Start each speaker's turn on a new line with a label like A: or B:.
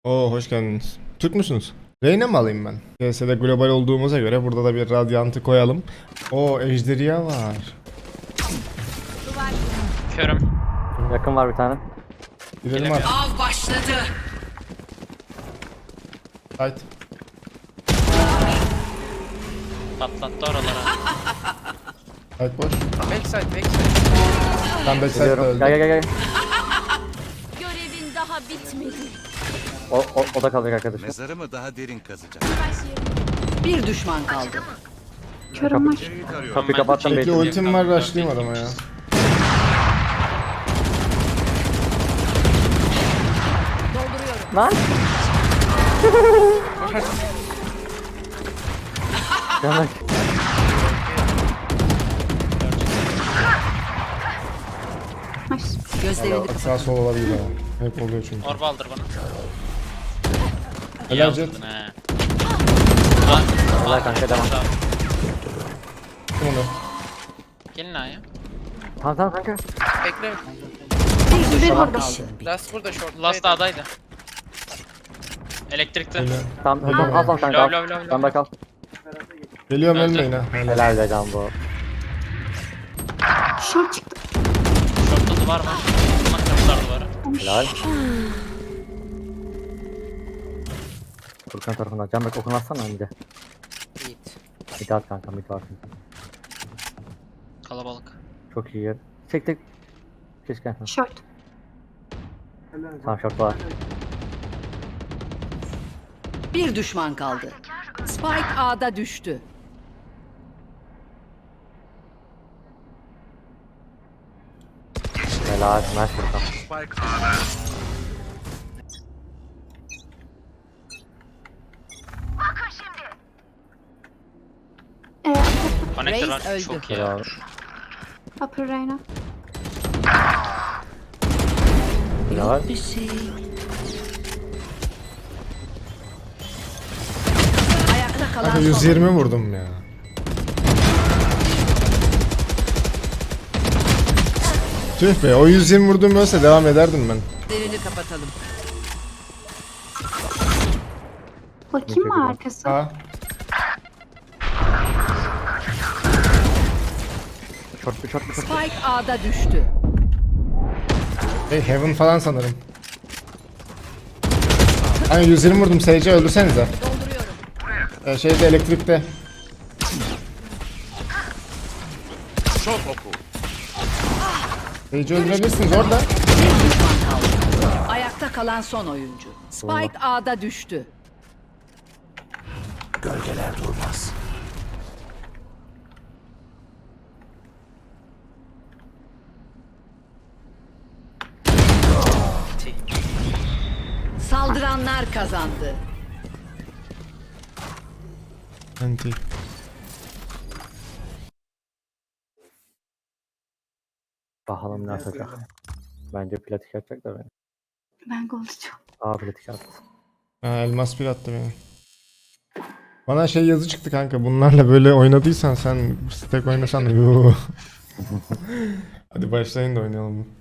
A: Oo, hoş geldiniz. Türk müsünüz? Reyna mı alayım ben? CS'de global olduğumuza göre burada da bir radyantı koyalım. Oo, ejderha var.
B: Körüm.
C: Yakın var bir tane.
A: Gidelim artık.
D: Av başladı.
A: Haydi.
B: Patlattı oralara.
A: Haydi boş.
E: Backside.
A: Ben backside'da
C: Geliyorum.
A: öldüm.
C: Gel.
F: Görevin daha bitmedi.
C: O da kalacak arkadaşlar.
G: Mezarımı daha derin kazacak.
D: Bir düşman kaldı.
F: Körüm var.
C: Kapıyı kapattım
A: Bekle,
C: beytim.
A: ultim var, rushlayayım adama ya.
C: Lan! Yanak.
D: Gözlerini kapat.
A: Sağ sol olabilir ama. Hep oluyor çünkü.
B: Orba aldır bana.
A: Helal Jet.
B: Aldırdın he.
C: Allah kanka devam.
A: Kim onu?
B: Gelin A'ya.
C: Tamam kanka.
E: Bekle.
D: Bir kaldı.
E: Last burada short.
B: Last A'daydı. Elektrikte.
A: Öyle.
C: Tamam al kanka
B: Lav,
C: al.
B: lav, lav, lav.
C: Sen de kal.
A: Geliyorum,
B: Öldü.
A: ölmeyin ha. Helal.
C: Helal be can bu.
F: Short çıktı.
B: Short'ta duvar var. Bak kapılar duvarı.
C: Helal. Furkan tarafından. Can bak okun atsana önce.
E: Yiğit.
C: Bir at kanka mid var.
B: Kalabalık.
C: Çok iyi yer. Çek. Keşke.
F: Short.
C: Tamam short var.
D: Bir düşman kaldı. Spike A'da düştü.
C: Helal. Nice Furkan.
B: Connector var.
D: Reis
B: Çok iyi.
C: Helal.
F: Upper Reyna.
C: Helal.
D: Bir şey. Ayakta kalan
A: Kanka
D: son.
A: 120 vurdum ya. Tüh be, o 120 vurduğum olsa devam ederdim ben.
D: Gözlerini kapatalım.
F: Bakayım mı arkası?
A: Ha.
C: Short.
D: Spike A'da düştü.
A: Hey, Heaven falan sanırım. Hani 120 vurdum, Sage'e öldürsenize. Şeyde, elektrikte.
G: Çok oku.
A: Sage'i öldürebilirsiniz orada.
D: Bir düşman kaldı. Ayakta kalan son oyuncu. Spike A'da düştü.
G: Gölgeler durmaz.
D: Saldıranlar kazandı.
A: Anti.
C: Bakalım ne atacak. Bence platik atacak da ben.
F: Ben golcuyum.
C: Platik attı.
A: Ha, elmas bir attı beni. Bana şey yazı çıktı kanka, bunlarla böyle oynadıysan sen stack oynasan. Hadi başlayın da oynayalım.